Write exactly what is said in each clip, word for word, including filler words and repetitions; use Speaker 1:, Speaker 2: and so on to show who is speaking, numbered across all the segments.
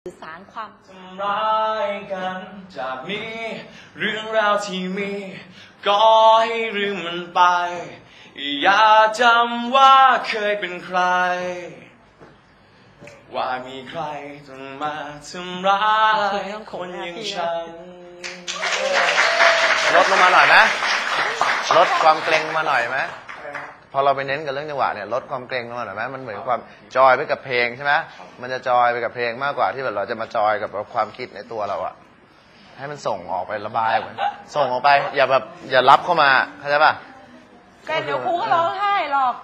Speaker 1: สื่อสารความ
Speaker 2: ทำร้ายกันจากนี้เรื่องราวที่มีก็ให้ลืมมันไปอย่าจำว่าเคยเป็นใครว่ามีใครต้องมาทำร้ายคนอย่างฉัน
Speaker 3: ลดลงมาหน่อยไหมลดความเกรงมาหน่อยไหมพอเราไปเน้นกับเรื่องจังหวะเนี่ยลดความเกรงลงมาหน่อยไหมมันเหมือนความจอยไปกับเพลงใช่ไหมมันจะจอยไปกับเพลงมากกว่าที่แบบเราจะมาจอยกับความคิดในตัวเราอะให้มันส่งออกไประบายเหมือนส่งออกไปอย่าแบบอย่ารับเข้ามาเข้าใจป่ะ
Speaker 1: แต่เดี๋ยวครูก็ร้องไห้หรอก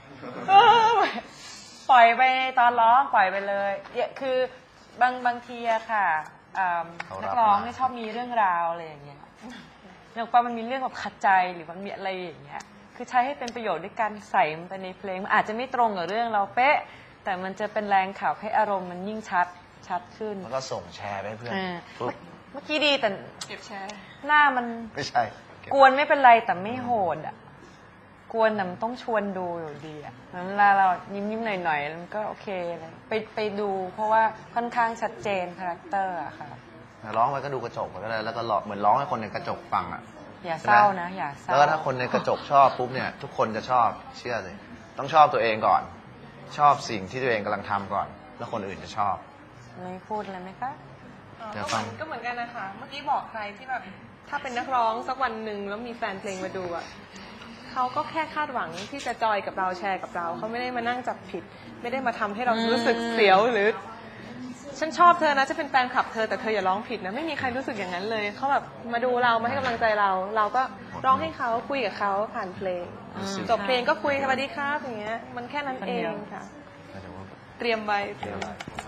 Speaker 1: ปล่อยไปตอนร้องปล่อยไปเลยคือบางบางทีอะค่ะนักร้องเนี่ยชอบมีเรื่องราวอะไรอย่างเงี้ยอย่างปามันมีเรื่องแบบขัดใจหรือมันมีอะไรอย่างเงี้ยคือใช้ให้เป็นประโยชน์ด้วยการใส่มันไปในเพลงมันอาจจะไม่ตรงกับเรื่องเราเป๊ะแต่มันจะเป็นแรงขับให้อารมณ์มันยิ่งชัดชัดขึ้น
Speaker 3: แล้วก็ส่งแชร์ไปเพื่อน
Speaker 1: เมื่อกี้ดีแต่
Speaker 4: เก็บแชร์
Speaker 1: หน้ามัน
Speaker 3: ไม่ใช่
Speaker 1: กวนไม่เป็นไรแต่ไม่โหดอ่ะกวนแต่มันต้องชวนดูอยู่ดีอ่ะเวลาเรายิ้มยิ้มหน่อยหน่อยมันก็โอเคเลยไปไปดูเพราะว่าค่อนข้างชัดเจนคาแรคเตอร์อะค่ะ
Speaker 3: ร้องไปก็ดูกระจกไปก็ได้แล้วก็เหมือนร้องให้คนในกระจกฟังอ่ะ
Speaker 1: อย่าเศร้านะอย่าเศร้า
Speaker 3: แล้วก็ถ้าคนในกระจกชอบปุ๊บเนี่ยทุกคนจะชอบเชื่อเลยต้องชอบตัวเองก่อนชอบสิ่งที่ตัวเองกำลังทำก่อนแล้วคนอื่นจะชอบ
Speaker 1: ไม่พูดเลยไหมคะ
Speaker 4: ก็เหมือนกันนะคะเมื่อกี้บอกใครที่แบบถ้าเป็นนักร้องสักวันหนึ่งแล้วมีแฟนเพลงมาดูอ่ะเขาก็แค่คาดหวังที่จะจอยกับเราแชร์กับเราเขาไม่ได้มานั่งจับผิดไม่ได้มาทำให้เรารู้สึกเสียวหรือฉันชอบเธอนะจะเป็นแฟนคลับเธอแต่เธออย่าร้องผิดนะไม่มีใครรู้สึกอย่างนั้นเลยเขาแบบมาดูเรามาให้กำลังใจเราเราก็ร้องให้เขาคุยกับเขาผ่านเพลงจบเพลงก็คุยสวัสดีครับอย่างเงี้ยมันแค่นั้นเองค่ะเตรียมไว้